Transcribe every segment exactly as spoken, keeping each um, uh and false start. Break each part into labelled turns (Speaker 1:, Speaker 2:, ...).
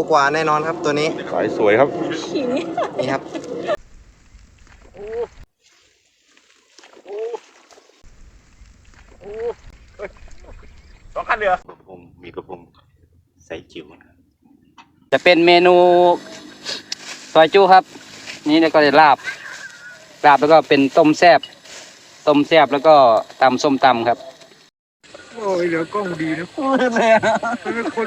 Speaker 1: กว่าแน่นอนครับตัวนี้
Speaker 2: สายสวยครับ
Speaker 1: นี่ครับ
Speaker 2: สองคันเรือกระพงมีกระพงใส่จิ๋ว
Speaker 3: จะเป็นเมนูซอยจุครับ นี่แล้วก็จะลาบลาบแล้วก็เป็นต้มแซ่บต้มแซ่บแล้วก็ตำส้มตำครับ
Speaker 2: โอ้ยเหลือกล้องดีนะพูดเลยเป็นคน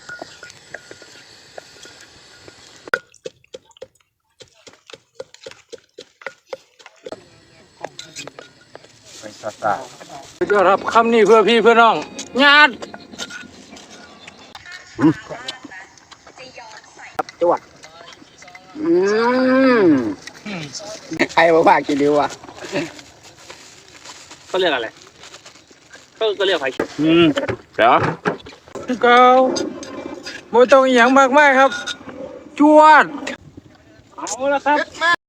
Speaker 2: ไปซาซา
Speaker 3: ก็รับคำนี้เพื่อพี่เพื่อน้องญาติจวดอืมใครบอกว่ากินดีวะเขาเรียกอะไรก็ก็เรียกไผ่
Speaker 2: อืมเดี๋ยว
Speaker 3: เกาโมต้องอย่างมากมากครับจวดเอาละครับ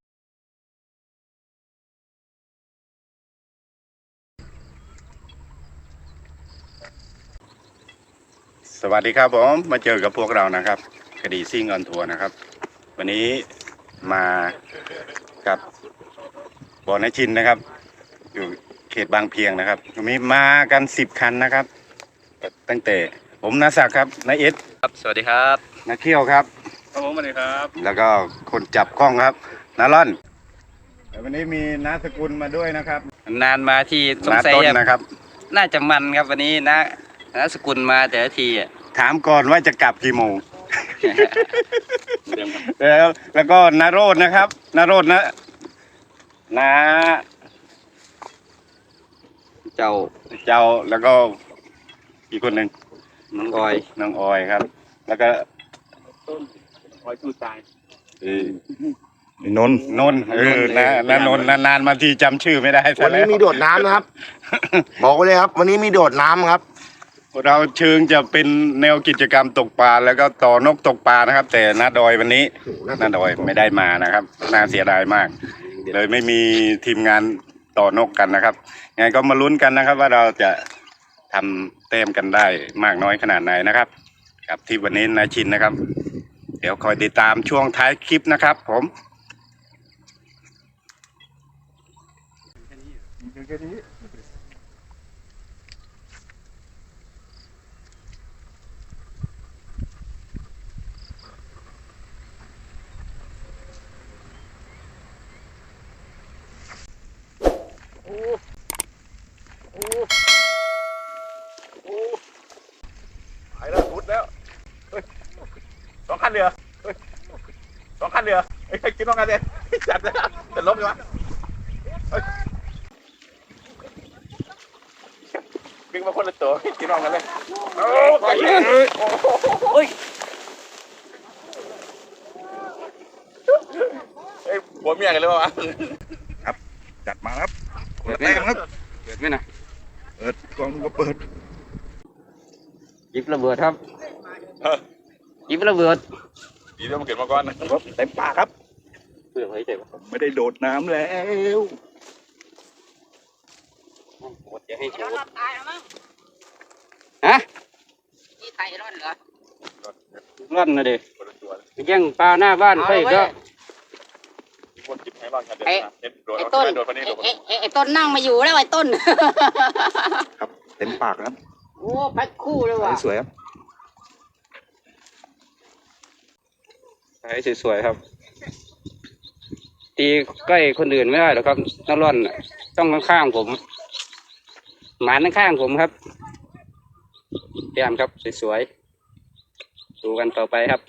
Speaker 2: สวัสดีครับผมมาเจอกับพวกเรานะครับคดีซิ่งออนทัวร์นะครับวันนี้มากับบ่อน้าชินนะครับอยู่เขตบางเพียงนะครับมีมากันสิบคันนะครับตั้งแต่ผมนาศักดิ์ครับนาเอส
Speaker 3: ครับสวัสดีครับ
Speaker 2: นาเขี้ยวครับ
Speaker 3: ครับผมสวัสดีครับ
Speaker 2: แล้วก็คนจับกล้องครับนาล่อนวันนี้มีนาสกุลมาด้วยนะครับ
Speaker 3: นานมาที่สงสัย
Speaker 2: นะครับ
Speaker 3: น่าจะมันครับวันนี้นะนาสกุลมาแต่ละที
Speaker 2: ถามก่อนว่าจะกลับกี่โมงแล้วแล้วก็นาโรดนะครับนาโรดนะนา
Speaker 3: เจ้า
Speaker 2: เจ้าแล้วก็อีกคนหนึ่ง
Speaker 3: น้องออย
Speaker 2: น้องออยครับแล้วก็
Speaker 3: ต้นออยสู้ตาย
Speaker 2: เออนนนนเออนะนนนนานๆมาทีจำชื่อไม่ได้
Speaker 1: วันนี้มีโดดน้ำนะครับบอกเลยครับวันนี้มีโดดน้ำครับ
Speaker 2: เราเชิงจะเป็นแนวกิจกรรมตกปลาแล้วก็ต่อนกตกปลานะครับแต่นาดอยวันนี้นาดอยไม่ได้มานะครับน่าเสียดายมากเลยไม่มีทีมงานต่อนกกันนะครับงั้นก็มาลุ้นกันนะครับว่าเราจะทำเต็มกันได้มากน้อยขนาดไหนนะครับกับที่วันนี้นายชินนะครับเดี๋ยวคอยติดตามช่วงท้ายคลิปนะครับผมไปแล้วพุดแล้วสองคันเรือสองคันเรือไอ้กินน้องกันเลยจัดเลยจะล้มอยู่วะดึงมาคนละตัวกินน้องกันเลยโอ้ยโอ้ยไอ้หัวเมียกันเลยวะครับจัดมาครับเปิดแรงครับ
Speaker 3: เปิดไหมนะ
Speaker 2: เปิดกล้องก็เปิด
Speaker 3: ยิบระเบิดครับยิบระเบิด
Speaker 2: ดีด้วยมันเกิดมาก่อนนะครับเต็มปากครับ
Speaker 3: เพื่อให้ใจ
Speaker 2: ผมไม่ได้โดดน้ำแล้ว
Speaker 3: หมดจะให้ชูฮะนี่ไทยร่อนเหรอร่อนนะเด็กแย่งปลาหน้าบ้านใครก็
Speaker 4: ไอ้ไอ้ต้นไอ้ต้นนั่งมาอยู่แล้วไอ้ต้น
Speaker 2: ครับเต็มปากครับ
Speaker 4: โอ้แพ็คคู่เลยว่ะ
Speaker 2: สวยครับ
Speaker 3: ใช้สวยๆครับตีใกล้คนอื่นไม่ได้หรอกครับนักร่อนต้องข้างๆผมหมานข้างๆผมครับเตรียมครับสวยๆดูกันต่อไปครับ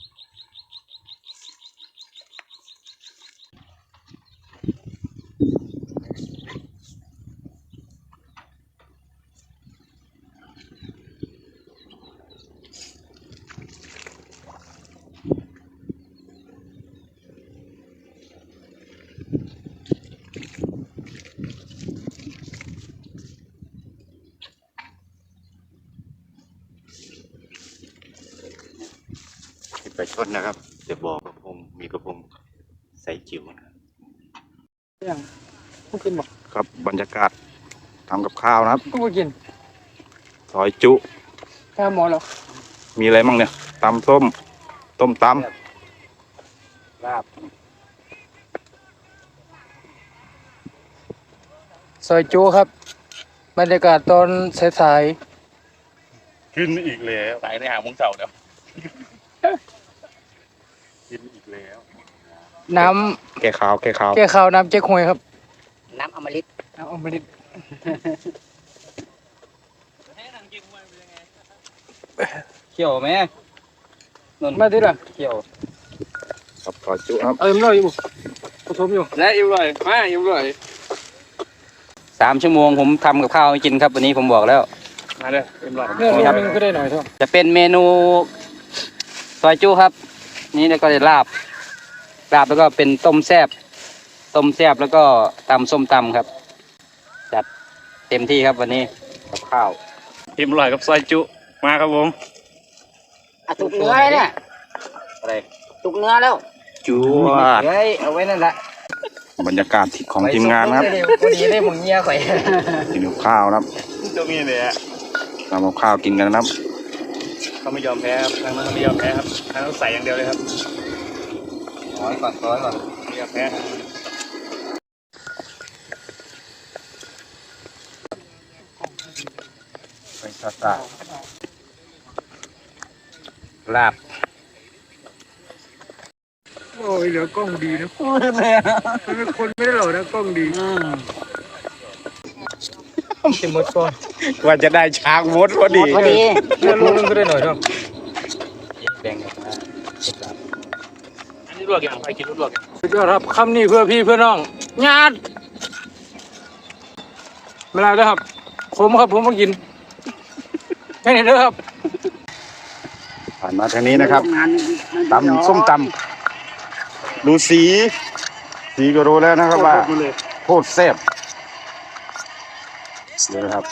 Speaker 2: ไปชดนะครับเดี๋ยวบอกกระพงมีกระพงใส่จิ๋วนะครับ
Speaker 3: ยังไม่กินบอก
Speaker 2: ครับบรรยากาศทำกับข้าวนะครับ
Speaker 3: ไม่กิน
Speaker 2: ซอยจุ
Speaker 3: ข้าวหมอหรอ
Speaker 2: มีอะไรบ้างเนี่ยตำส้มต้มต
Speaker 3: ลาบ
Speaker 5: ซอยจูครับบรรยากาศตอนสาย
Speaker 2: ำขึ้นอีกแล้วสายในหางมุ้งเสาแล้วกินอีกแล้ว
Speaker 5: ๆน้
Speaker 2: แก่ขาวแก่ขาว
Speaker 5: ำแก้ข้าวน้ำเจ๊กฮวยครับ
Speaker 4: น้ำอมฤต
Speaker 5: น้ำอมฤต
Speaker 3: เขียวไหมนน
Speaker 5: มาที่ละ
Speaker 3: เขียว
Speaker 2: ครับขอจุครับ
Speaker 5: เอิมเราอยู่ผสมอยู่
Speaker 3: และอิ่มเลยมาอิ่มเลยสามชั่วโมงผมทำกับข้าวให้กินครับวันนี้ผมบอกแล้ว
Speaker 5: มาเลยเอิมเราเนื้อโลนึงก็ได้หน่อยเท่า
Speaker 3: จะเป็นเมนูซอยจุครับ นี่แล้วก็จะลาบลาบแล้วก็เป็นต้มแซบต้มแซบแล้วก็ตำส้มตำครับ จัดเต็มที่ครับวันนี้กับข้าว
Speaker 2: อิ่มอร่อยกับซอยจุมาครับผม
Speaker 4: อ่ะตุกเนื้อเลยเนี่ย
Speaker 3: อะไร
Speaker 4: ตุกเนื้อแล้ว
Speaker 2: จุวด
Speaker 3: เฮ้ยเอาไว้นั่นแหละ
Speaker 2: บรรยากาศของทีมงานนะครับ
Speaker 3: พอดีได้หมึงเงี้ยข่อย
Speaker 2: กินกับข้าวนะครับ
Speaker 3: ตรงนี้เลยอะ
Speaker 2: ทำกับข้าวกินกันนะครับ
Speaker 3: เขาไม่ยอมแพ้ครับทางนั้นเขาไม่ยอมแพ้ครับทางนั้นใส่อย่างเดียวเลยครับร้อยก่อนร้อยก่อนไม่ยอมแพ้ไปซาซาลาบ
Speaker 5: โอ้ยเหลือกล้องดีนะเป็นคนไม่ได้หล่อนะกล้องดีจะหมดก่อน
Speaker 2: ว่าจะได้ช้างมดพอดี
Speaker 4: พอดี
Speaker 5: เนื้อโลนึงก็ได้หน่อยเท่า
Speaker 3: แบ่งกันมา
Speaker 5: อันนี้ลวกอย่างไรกินลวกสุดยอดครับคำนี้เพื่อพี่เพื่อน้องญาติไม่ได้แล้วครับผมครับผมมากินแค่นี้เด้อครับ
Speaker 2: ผ่านมาทางนี้นะครับ
Speaker 4: งาน
Speaker 2: ตำส้มตำดูสี สีก็รู้แล้วนะครับว่าโคตรแซ่บเดี๋ยวนะครับ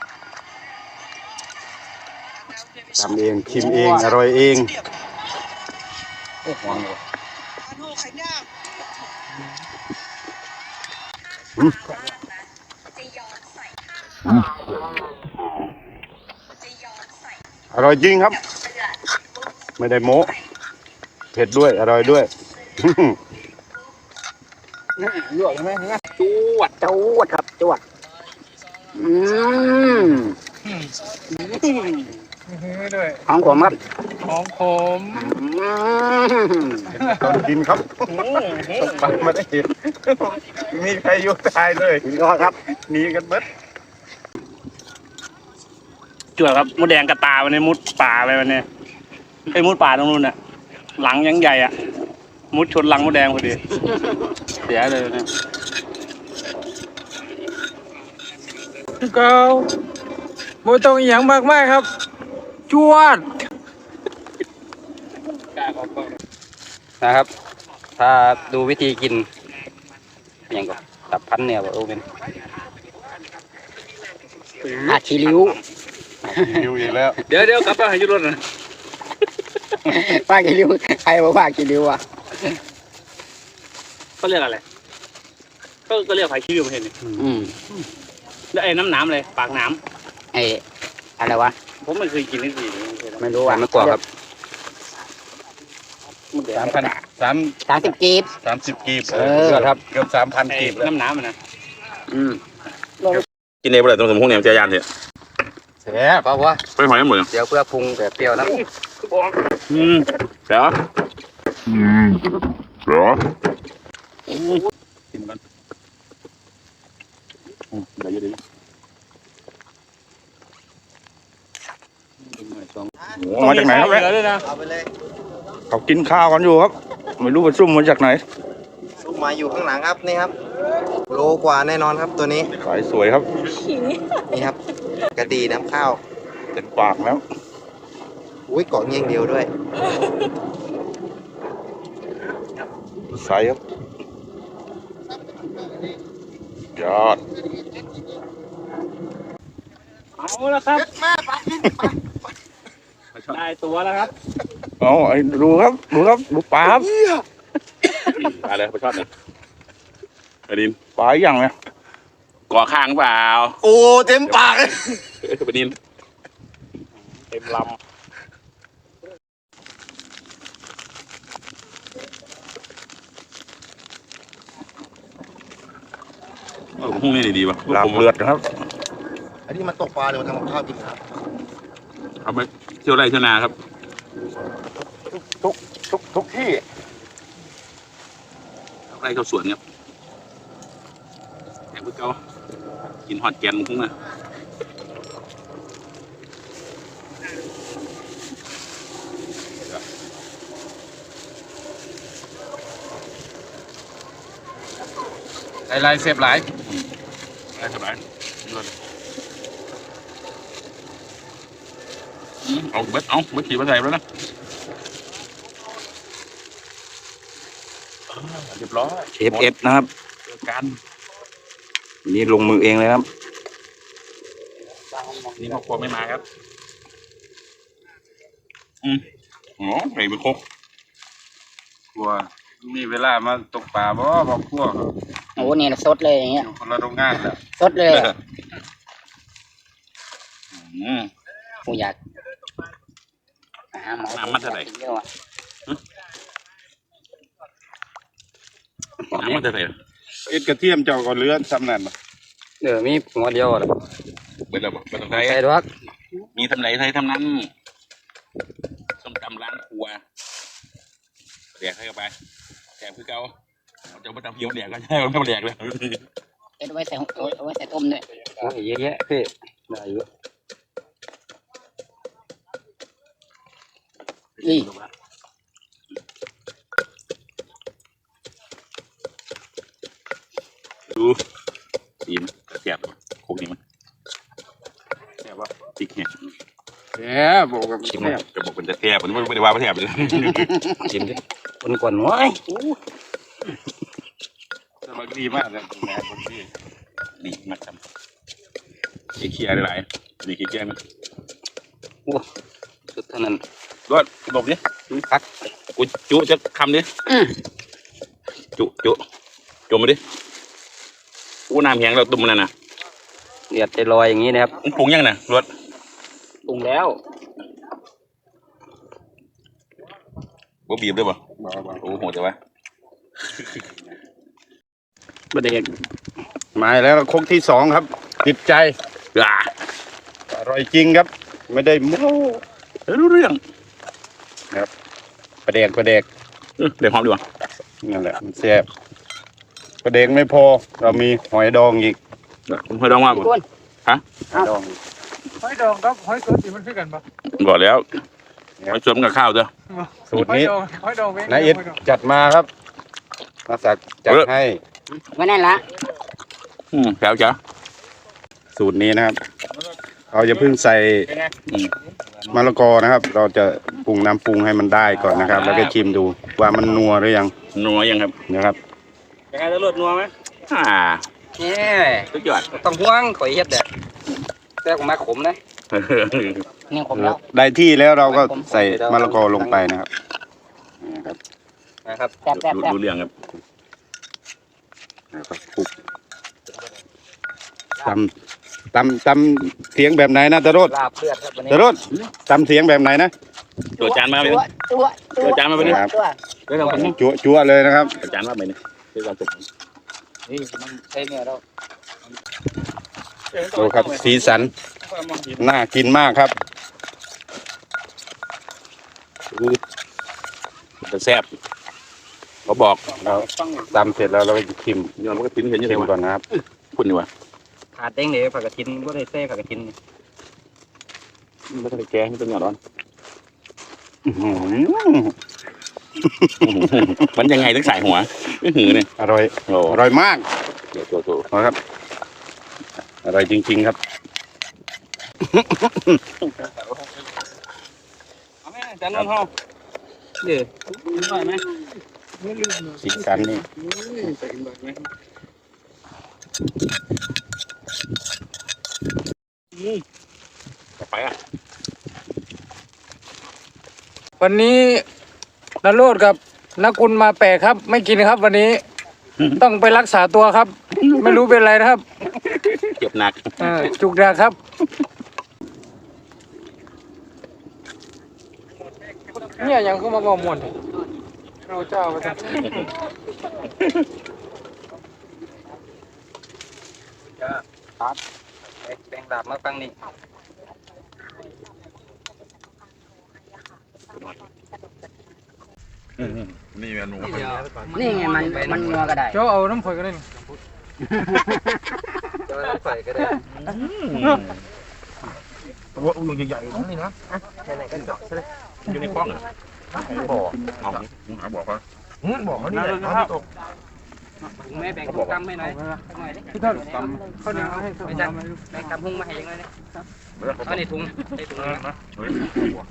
Speaker 2: ทำเองชิมเองอร่อยเองอืมอืมอร่อยจริงครับ ไม่ได้โม้เผ็ดด้วยอร่อยด้วย
Speaker 5: ลวกใช่ไหม
Speaker 4: จวดจวดครับจวดอืม
Speaker 5: ด้วย
Speaker 4: ของผมครับ
Speaker 5: ของผม
Speaker 4: อืม
Speaker 2: ตอนกินครับปากมาได้เห็นมีใครยุ่งตายเลย
Speaker 4: สุดยอดครับ
Speaker 2: หนีกันเบิด
Speaker 6: จวดครับมดแดงกระตาวันนี้มุดป่าไปวันนี้ไอ้มุดป่าตรงนู้นน่ะ หลังยังใหญ่อ่ะ มุดชนหลังมดแดงพอดี เสียเลยนะ
Speaker 5: เกาโมต้องอหย่างมากมากครับ จวด
Speaker 3: นะครับ ถ้าดูวิธีกินอย่างก็ตับพันเนี่ยว่าโอ้เป็น
Speaker 4: อาชีริ้ว
Speaker 2: อยู่อีกแล้ว
Speaker 6: เดี๋ยวเดี๋ยวกลับไปหายุรถนะ
Speaker 4: ป้ากีริ้วใครบอกว่ากีริ้วอ่ะ
Speaker 6: เขาเรียกอะไรก็ก็เรียกไผ่ขี้ริ้วไม่เห็นนี่
Speaker 4: อืม
Speaker 6: แล้วไอ้น้ำหน้ำเลยปากหน้
Speaker 4: ไอ้อะไรวะ
Speaker 6: ำผมไม่เคยกินทั้งทีเลย
Speaker 4: ไม่รู้
Speaker 3: หวา
Speaker 4: อ่ะ
Speaker 3: นมะกอกครับ
Speaker 2: สามพันสาม
Speaker 4: สามสิบกีบ
Speaker 2: สามสิบกีบ
Speaker 4: เออ
Speaker 2: ครับเกือบสามพัน
Speaker 6: ไอ้
Speaker 2: กีบแล้ว
Speaker 6: น้ำหน้ำมันนะ
Speaker 4: อืม
Speaker 7: กินเองไปเลยตรงสมพงษ์เนี่ยเจียยานเถอะ
Speaker 3: แซ่บเพราะว่า
Speaker 7: ไปหอยหมดเลย
Speaker 3: เดี๋ยวเพื่อปรุงแบบเปรี้ยวนะ
Speaker 7: อืมเดี๋ยวอืมเดี๋ยว
Speaker 2: กินกันอืมเดี๋ยวเดี๋ยว โอ้มาจากไหนครับเนี่ย
Speaker 6: เลยนะ
Speaker 2: เขากินข้าวกันอยู่ครับ ไม่รู้ว่าซุ่มมาจากไหน
Speaker 8: ซุปมาอยู่ข้างหลังครับนี่ครับ โลกว่าแน่นอนครับตัวนี้
Speaker 2: ขายสวยครับ
Speaker 8: นี่ครับ กระดีน้ำข้าว
Speaker 2: เต็มปากแล้ว
Speaker 8: อุ้ยเกาะเงี้ยงเดียวด้วย
Speaker 2: ใสครับยอด
Speaker 6: เอาละครับได้ตัวแล้วครับ
Speaker 2: เอาไอ้ดูครับดูครับดูปลาครับ
Speaker 7: ไปเลยไปชอบเลยไปดิน
Speaker 2: ปลาอย่างเนี่ย
Speaker 7: ก่อข้างเปล่า
Speaker 8: โอ้เต็มปากเลย
Speaker 7: เอ้ยไปดิน
Speaker 6: เต็มล
Speaker 7: พรุ่งนี้ดีๆวะ
Speaker 1: ลาบ
Speaker 7: ผม
Speaker 1: เลือดนะครับอันนี้มาตกปลาหรือมาทำกับข้าวกินครับ
Speaker 7: เอาไปเที่ยวไร่เที่ยวนาครับ
Speaker 1: ทุกทุกทุกที่
Speaker 7: ไร่เข้าสวนครับแข่งพวกเขากินฮอตแกนมึงพุ่งนะ
Speaker 3: ลายลายเสียบหลาย
Speaker 7: ได้สบายอืมเอาเบ็ดเอาเบ็ดขี่มาใส่แล้วนะอ่าเรียบร้อย
Speaker 3: เชฟเอฟนะครับ
Speaker 7: เจอกัน
Speaker 3: นี่ลงมือเองเลยครับ
Speaker 7: นี่ครอบครัวไม่มาครับ อืมอ๋อไก่เป็นครบ
Speaker 2: กลัวมีเวลามาตกปลาบ่บ่กลัว
Speaker 4: โอ้เนี่ยสดเลยอย่างเงี้
Speaker 2: อย ยู่คนละโรงงานแล้ว
Speaker 4: สดเลยอะ
Speaker 7: อืม
Speaker 4: กูอยากหาหมอ
Speaker 7: น้ำมันเท่าไหร่
Speaker 4: เยอะว่ะ
Speaker 7: น้ำมันจะใส่
Speaker 2: เอ็ดกระเทียมเจ้าก็เหลือซ้ำนั่นบ่
Speaker 3: เดี๋ยวมีหัวเดียวอะ
Speaker 7: เบ็ดแล้วบ่เบ็ดต้องใส่
Speaker 3: ใส่ด้วย
Speaker 7: มีทำไหนใส่ทำนั้นส้มตำร้านครัวแดกให้เข้าไปแดกคือเก่าเอาเจ้ามาตำเพียวแดกก็ใช่ไม่แดกเลย
Speaker 4: เอ็ดไว้ใส่เอาไว้ใส่ต้มด้วย
Speaker 3: โอ้ยเยอะแยะพี่ได้เยอะ
Speaker 4: นี่
Speaker 7: ดูสีมันแซ่บโคกนี่มันแซ่บวะพริกเนี่ย
Speaker 2: แหมบอกกับ
Speaker 7: ชิม
Speaker 2: แซ่บ
Speaker 7: จะบอกเป็นจะแซ่บมันไม่ได้ว่าไม่แซ่บเลย
Speaker 3: ชิมดิคนก่อนหัวไอ้
Speaker 2: สบายดีมากเลยแม่บางที
Speaker 7: ดีมากครับไอ้เคียร์หลายๆนี่เคียร์มัน
Speaker 3: สุดเท่านั้น
Speaker 7: รอดบอกดิพักกูจุจะคำดิจุจุจุมาดิกูน้ำแข็งเราตุ่มนั่นน่ะ
Speaker 3: เดือดจะลอยอย่างนี้นะครับ
Speaker 7: มึงปรุงยังน่ะรวด
Speaker 3: ปรุงแล้ว
Speaker 7: บ่บีบด้วยบ่
Speaker 2: บ่บ่
Speaker 7: โอ้โหแต่ว่า
Speaker 3: ประเด็น
Speaker 2: มาแล้วคงที่สองครับ ติดใจ
Speaker 7: อ่า
Speaker 2: อร่อยจริงครับ ไม่ได้โม้
Speaker 7: รู้เรื่อง
Speaker 2: ประเดกประเดก
Speaker 7: เออเดี๋ยวหอมดีกว่า
Speaker 2: นั่นแหละมันแซ่บประเดกไม่พอ เรามีหอยดองอีก
Speaker 7: ผมเคยลองว่า
Speaker 4: คุณ
Speaker 2: หอยดองอีก
Speaker 5: หอยดองครับหอยสดสิมันคือกันปะ
Speaker 7: บอกแล้วมาชวนกับข้าวเถอะ
Speaker 2: สูตรนี้
Speaker 5: หอยดองหอยดองเว้ย
Speaker 2: นายเอ็ดจัดมาครับมาสักจัดให้
Speaker 4: ไว้นั่นละ
Speaker 7: อืมแก้วจ้ะ
Speaker 2: สูตรนี้นะครับ เราจะเพิ่งใส่
Speaker 7: อืม
Speaker 2: มะละกอนะครับ เราจะปรุงน้ำปรุงให้มันได้ก่อนนะครับ แล้วก็ชิมดูว่ามันนัวหรือยัง
Speaker 7: นัวยังครับ
Speaker 2: นะครับ
Speaker 6: ยังไงจะเลือดนัวไหม
Speaker 7: อ่า
Speaker 3: นี่
Speaker 7: สุดยอด
Speaker 3: ต้องห่วงข่อยเฮ็ดเด็ดแต่ของมาขมนะ
Speaker 4: นี่ผมแล้ว
Speaker 2: ได้ที่แล้วเราก็ใส่มะละกอลงไปนะครับนี่ครับ
Speaker 3: นะครับ
Speaker 4: แซ่บแซ่บแซ่บ
Speaker 7: รู้เรื่องครับ
Speaker 2: แล้วก็คลุกตำตำตำเสียงแบบไหนนะตะโรด
Speaker 3: ลาบเลือดครับวันนี้
Speaker 2: ตะโรดตำเสียงแบบไหนนะ
Speaker 7: ตัวจานมาไป
Speaker 4: ตัว
Speaker 7: นี่
Speaker 4: ตัวตัว
Speaker 7: ตัวจานมาไปนี่
Speaker 4: ตัว
Speaker 3: เรื่องของนี้
Speaker 2: จั่วจั่วเลยนะครับ
Speaker 7: ตัวจานมาไปนี่คือการสุก
Speaker 3: นี่มันใช่เนี่ยเรา
Speaker 2: ดูครับสีสันน่ากินมากครับ
Speaker 7: จะแซ่บเขาบอก
Speaker 2: เราตำเสร็จแล้วเราจะชิม
Speaker 7: ย้อนมันก็ทิ้งเห็นยัง
Speaker 2: ชิ
Speaker 7: ไง
Speaker 2: ม
Speaker 7: วะ
Speaker 2: ก่อนนะครับ
Speaker 7: คุณดีกว่า
Speaker 3: ขาดเด้งเลยผักกระทินก็ได้เซ่ผักกระทิน
Speaker 7: ไม่ต้องไปแกงไม่ต้องหยอดร้อน
Speaker 2: อื้อหือ
Speaker 7: มันยังไงถึงสายหัวไม่หือเนี่ย
Speaker 2: อร่อย
Speaker 7: โอ้
Speaker 2: อร่อยมาก
Speaker 7: เดี๋ยวตัวตัว
Speaker 2: นะครับ อร่อยจริง ๆครับ
Speaker 3: เอาไหมจานนนท์เฮาเดี๋ยวหน่อยไหม
Speaker 2: สีสันนี่
Speaker 7: ไปอ่ะ
Speaker 5: วันนี้นโรดกับนักกุลมาแปลกครับ ไม่กินครับวันนี้ ต้องไปรักษาตัวครับ ไม่รู้เป็นไรนะครับ
Speaker 7: เจ็บหนัก
Speaker 5: เออจุกดาครับ เนี่ยยังเข้ามาบอกมวนเราเจ้าไปจ้ะ
Speaker 3: ครับแบ่งดาบมาฟังนี่
Speaker 7: นี่เมนู
Speaker 4: นี่ไงมันมันงัวก็ได้
Speaker 5: เจ้าเอาน้ำฝอยก็ได้นี่
Speaker 8: จะไปใส่ก็ได้
Speaker 1: ตัวอุ้งใหญ่ๆนี่นะ
Speaker 8: ไหนๆก็เจาะใช่ไหม
Speaker 7: อยู่ในกล้องเหรอ
Speaker 1: บอก
Speaker 7: เอาหาบอกเขา
Speaker 1: บอกเขานี่แหละเขาตก
Speaker 3: ถุงแม่แบ่งถุงกำให้หน่อยหน่อยดิ
Speaker 5: พี่ต้นข้าวเหนียวให้
Speaker 3: ไม่จัดแบ่งกำหุ้งมาให้ยังไงเนี่ยเอาในถุงในถุงนะ
Speaker 7: เฮ้ย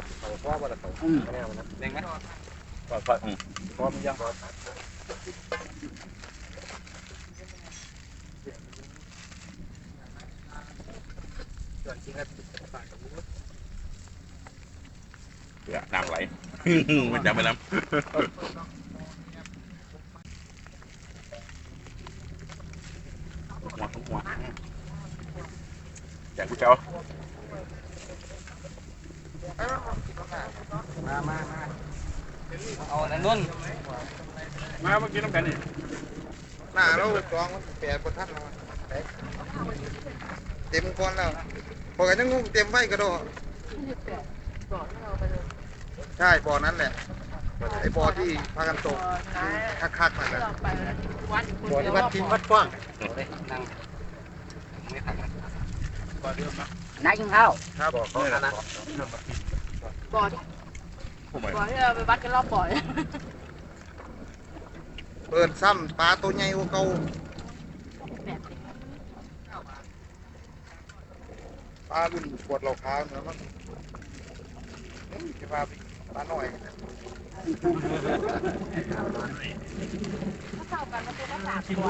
Speaker 3: แบ่งไหม
Speaker 7: พร้อมยังน้ำไหลมันจะไปน้ำหัวหัวอยากกูเจ้า
Speaker 3: มามามาเอาอันนั้นนุ่น
Speaker 6: มาเมื่อกี้น้ำกันนี่
Speaker 8: หน้าเรากองมันแปดกว่าท่านแล้วเต็มก้อนแล้วพอกันยังงงเต็มไฟกระโดดใช่บ่อนั้นแหละไอ้บ่อที่พากันตกคักๆนั่นแหละบ่อที่วัดทิ้งวัดกว้าง
Speaker 3: เลยนั่งไม่ขัดนะ
Speaker 4: นายกินข้าว
Speaker 8: ครับบ่อเขานะ
Speaker 9: บ่อที่บ่อที่เราไปวัดกันรอบบ่อเนี่ย
Speaker 8: เปิดซ้ำปลาตัวใหญ่กว่าเก่าปลารุ่นปวดเหล่าขาวเนื้อมันจะปลาปลาหน่อย
Speaker 9: เท่ากันมันคือละสามตัว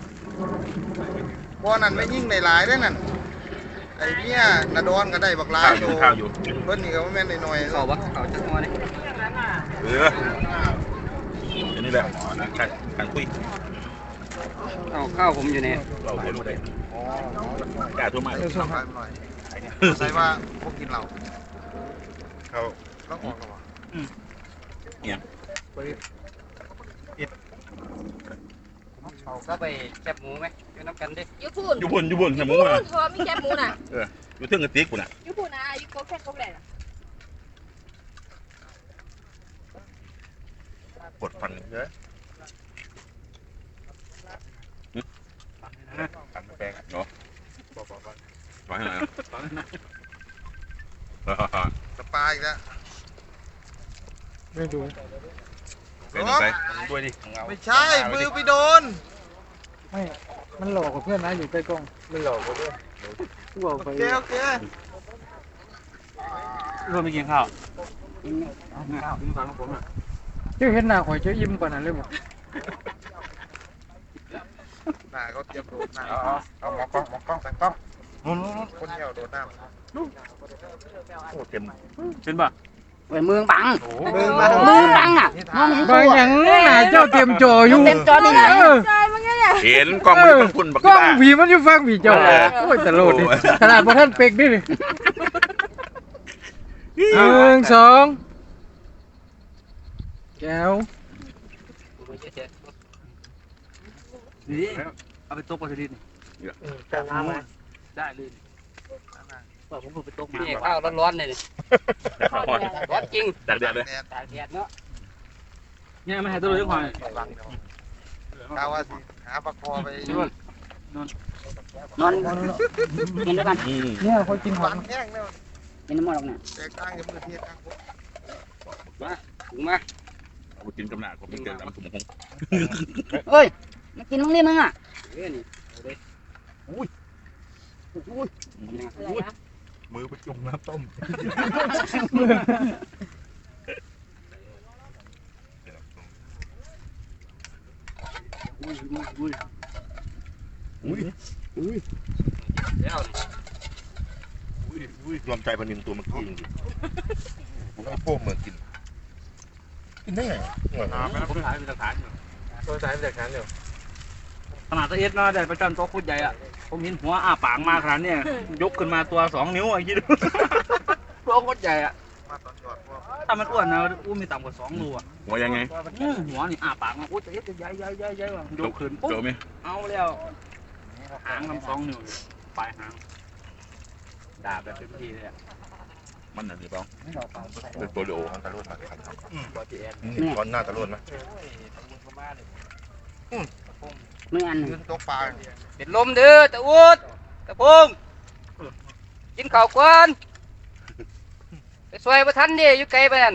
Speaker 8: บ่อนั้นไม่ยิ่งในหลายได้นั่นไอ้เนี่ยนาดอนก็ได้บักหลาย
Speaker 7: ข้าวอยู่ข้าวอยู่
Speaker 8: เพิ่นนี่ก็แม่นหน่อยๆ
Speaker 3: เขาวะเขาจะงัวเลย
Speaker 7: เอออันนี้แหละการการคุย
Speaker 3: เอาข้าวผมอยู่เนี่ย
Speaker 7: เราเห็นไม่ได้
Speaker 8: อ๋อก
Speaker 7: ล้าทั่วมา
Speaker 8: เออส่งไปหน่อยใส่ว่าพวกกินเหล้า
Speaker 7: เขา
Speaker 8: ต้องออกแล้ววะ
Speaker 3: ก็ไปแคบหมูไหมอยู่น้ำกันดิ
Speaker 9: ยูพูน
Speaker 7: อยู่บนอยู่บนสมมติว่า
Speaker 9: เธอมีแคบหมูน่ะ
Speaker 7: อยู่เทิงกระติกกูน่ะ
Speaker 9: ยูพูนนะยูโคแค่โคแหละ
Speaker 7: ปวดฟันเยอะฟันแปลงเนาะฟันให้หน่อยนะ
Speaker 8: สปาอีกแล้ว
Speaker 5: ไม่ดู
Speaker 7: เป็นไปด้วยดิ
Speaker 8: ไม่ใช่มือไปโดน
Speaker 5: ไม่มันหลอกกับเพื่อนนะอยู่ใกล้กล้อง
Speaker 8: ไม่หลอกกูด้วย
Speaker 5: กูบอกไป
Speaker 8: โอเคโอเค
Speaker 6: รวมไปกินข้าว
Speaker 5: เจ้าเห็นหน้าข่อยเจ้ายิ้มกว่านั้นเลยบอก
Speaker 8: หน้าเขาเตรียมโดดน้
Speaker 1: เอาเอาหมอกล้องหมอกล้องแต่งกล้องนู่นนู่นนู่น
Speaker 8: ำคนเหี่ยวโดดน้
Speaker 7: โอ้เต็ม
Speaker 6: เป็นป่ะ
Speaker 4: เว้ยมือบัง
Speaker 8: ำมือมา
Speaker 4: มือบังอ่ะมองไม่เห็น
Speaker 5: บา
Speaker 4: ตั
Speaker 5: ง
Speaker 4: ว
Speaker 5: อย่างหน้าเจ้าเตรียมจออยู่
Speaker 4: เต็มจอนี่นะ
Speaker 5: เออ
Speaker 9: ใช่มั้งเนี่ย
Speaker 7: เห็นกล้องมันต้องพุ่นบัก
Speaker 5: กล้อง
Speaker 7: บ้า
Speaker 5: ผีมันอยู่ฟังผีเจ้าโอ้ยตลกดิขนาดพระท่านเป็กดิหนึ่งสองแก้ว
Speaker 3: นี่เอาไปตกปลาสลิด
Speaker 8: จะน้ำไหม
Speaker 3: ได้เลยว่าผมเพิ่งไปตกมานี่ข้าวร้อนๆเลยนี่ร้อนจริง
Speaker 7: จากเดือดเลย
Speaker 8: แดด
Speaker 3: ตากแดดเนาะ
Speaker 6: เนี่ยไม่ให้ตัวเลยก่อน
Speaker 8: กาวว่าสิหาปลาคอไป
Speaker 4: นอนกินด้วยกัน
Speaker 7: อืม
Speaker 5: เนี่ยเขากินหอ
Speaker 8: ปาม นแห้งเนี่ย
Speaker 4: กินน้ำมันหรอกเนี่ย
Speaker 8: แตกต่างกับมือเทียบกัน
Speaker 3: ถุงมา
Speaker 7: เอาไปกินกับหน้าผมเป็นเกินตามถุงหง
Speaker 4: เฮ้ยมากินมึงนี่มึงอ่ะ
Speaker 3: เรื่องนี่เอาเลย
Speaker 9: อะไรนะ
Speaker 7: มือไปจุ่มน้ำต้ม
Speaker 3: อุ้ยอุ้ยอุ้ย
Speaker 7: อุ้ย
Speaker 3: แล้ว
Speaker 1: อุ้ยอุ้ยรวมใจพันนินตัวเมื่อกี้จริงๆผมให้โป้งเหมือนกิน กินได้ไงอร่อย
Speaker 7: น้ำผมถ่ายเป็นหลักฐานอยู่
Speaker 8: ตัวสายเป็นจากนั้นอยู่
Speaker 6: ขนาดตะเอ็ดเนาะได้ประจันโต๊ะคุดใหญ่อะผมเห็นหัวอ้าปากมาขนาดเนี้ยยกขึ้นมาตัวสองนิ้วไอ้คิดดูโต๊ะคุดใหญ่อะ
Speaker 8: มาตอนจอดพวก
Speaker 6: ถ้ามันอ้วนนะอู้มีต่ำกว่าสองรูอะ
Speaker 7: หัวยังไง
Speaker 6: อื้อหัวนี่อ้าปากมาอู้ตะเอ็ดจะใหญ่ใหญ่ใหญ่ใหญ่ว่ะยกขึ้นปุ๊บ
Speaker 7: เจอไหม
Speaker 6: เอาแล้วหางทำสองนิ้วปลายหางดาบแบบเต็มที่เลยอ่ะ
Speaker 7: มันน่ะหรือเปล่า
Speaker 1: เป็นโปรลิโอของตะลุนมาครับ
Speaker 6: บอดีแอน
Speaker 1: ก้อนหน้าตะลุนไหม
Speaker 4: เมื่ออัน
Speaker 8: ยืนตกปลา
Speaker 3: เป็นลมเด้อตะอุดตะพงกินข้าวก่อนไปซอยประทันเด้อยู่ไกลไปนั่น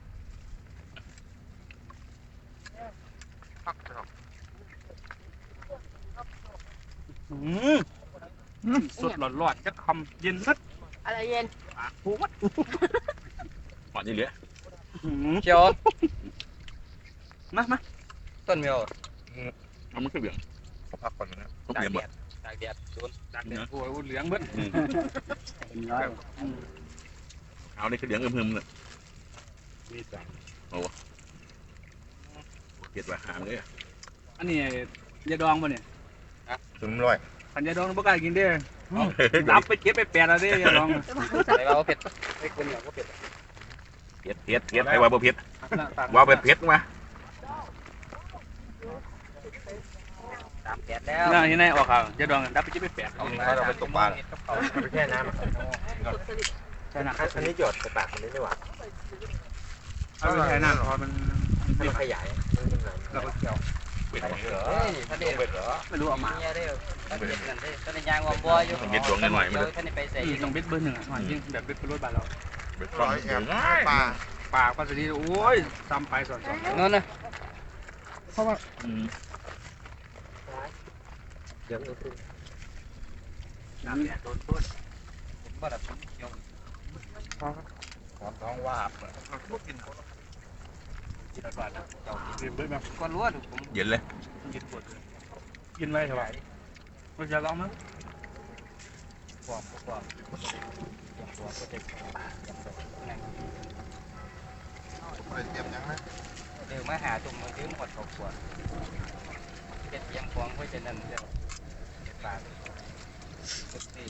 Speaker 6: สดหลอดๆจะคำเย็นสัด
Speaker 9: อะไรเย็น
Speaker 6: ผูมัด
Speaker 7: หอดนี่เหลือ
Speaker 3: เขียว
Speaker 6: มามา
Speaker 3: ต้นเมียว
Speaker 7: เอามันขึ้นเหลือง
Speaker 1: ขอพักก่อนนะ
Speaker 7: ต้องเปลี่ยนหมด
Speaker 3: ตากแดดโดน
Speaker 6: จากเด็ดโอ้ยเหลืองเบิ้ล
Speaker 4: เป็นร้อย
Speaker 7: เอาได้ขึ้นเหลืองอึมๆเลย
Speaker 6: มีสาม
Speaker 7: เก็ดว่าหามเลย
Speaker 6: อันนี้ยาดองป่ะเนี่ย
Speaker 1: ถึงร้อย
Speaker 6: ขันยาดองบ่กล้ากินเด้ดับไปเก็บไปแปดแล้วเด้ยาดอง
Speaker 3: ใส่เราเผ็ดไอ้คนเหนียวก็เผ็ด
Speaker 7: เผ็ดเผ็ดเผ็ดไอ้ว่าบ่เผ็ดว่าเป็นเผ็ดมา
Speaker 3: ตามแดดแล้ว
Speaker 6: น่าที่ไหนออกข่าวยาดองดับไปเก็บไปแปด
Speaker 1: เราไปตกปลา
Speaker 8: ไปแช่น้
Speaker 6: ใช่นะ
Speaker 8: ำอันนี้หยดไปปากมันนี้ดีกว่า
Speaker 6: เอาไปใช้น้ำพอมัน
Speaker 8: มันขยายมันไหล
Speaker 6: เราก็เกี่ยว
Speaker 7: เป็นของ
Speaker 3: เฮ้ยท่านเด็ด
Speaker 6: ไม่รู้เอามา
Speaker 3: เมียเด้อท่านเด็ดกันเด้อท่านยางวอมบอยอยู่ท่านไปใส่
Speaker 6: อีกต้องเบ็ดเบอร์หนึ่งอ่ะหน่อยยิ่งแบบเบ็ดเป็นรถบ้านเรา
Speaker 1: เป็น
Speaker 8: ร้อยแอบปลา
Speaker 6: ปากก็จะดีโอ้ยซ้ำไปสอนสอน
Speaker 3: นั่นนะ
Speaker 6: น้ำเนี่ยโดนต้น
Speaker 3: ผมว่าแบบเขียว
Speaker 1: ท้องว่าบ
Speaker 6: กินอะไรบ้างนะเจ้ากินเบ็ดไหม
Speaker 3: ก้อนรั้วถูกผม
Speaker 7: เย็นเลย
Speaker 6: กินปวดกินไว้เท่าไหร่มันจะลองมั้ย
Speaker 3: ความความตัวก็จะ
Speaker 8: เตรียมยังนะ
Speaker 3: เดี๋ยวมาหาตุ่มมือถือหมดครอบครัวเจ็ดยังฟองไว้จะนั่นเรื่องปากสี่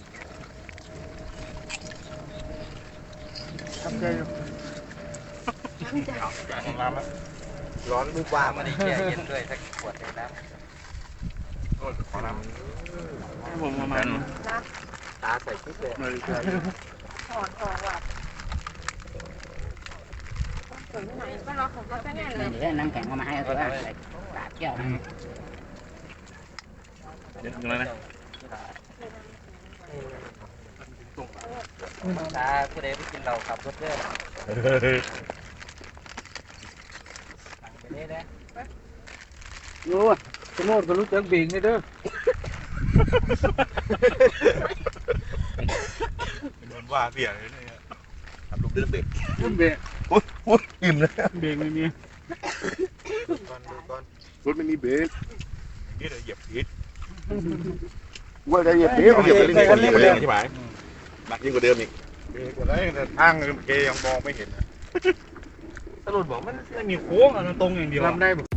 Speaker 6: ทำใจอยู่
Speaker 8: ของน้ำนะร้อนบุบ
Speaker 3: ว่า
Speaker 8: ว่า
Speaker 3: ไม่ได้แช่เย็นด้วยสักขวดเลยนะ
Speaker 8: ของน้
Speaker 6: ผมประมาณ
Speaker 8: ำตาใส่ชุดเลย
Speaker 9: ถอนออกว่ะถึงไหนก็รอของก็แน่เลย
Speaker 4: เดี๋ยวน้ำแข็งเอามาให้เขาได้ตาเที่ยวนะ
Speaker 7: เย็นเลยนะ
Speaker 3: ตาผู้ใดไปกินเราขับรถเด้อไปนี่นะ
Speaker 5: โอ้ยสมมติก็รู้จักเบ่งนี่เด้อ
Speaker 1: โดนว่าเสียเลยเนี่ย
Speaker 7: ทำลูกเดือดเด็ก
Speaker 5: เบ่ง
Speaker 1: โอ้ยโอ้ยอิ่มเลย
Speaker 6: เบรกไม่มี
Speaker 8: ก่อนดูก่อน
Speaker 1: รถไม่มีเบรกนี่เลยเหยียบผิดว่าจะเหยียบผิด
Speaker 7: เหยียบไปเรื่อยๆเหยียบไปเรื่อยๆใช่ไหมหนักยิ่งกว่าเดิมอีก
Speaker 1: เบรกอะไรแต่ทางเกยังมองไม่เห็น
Speaker 6: ตำรวจบอกมันไม่มีโค้งอ่ะมันตรงอย่างเดียว
Speaker 5: รับได้บ่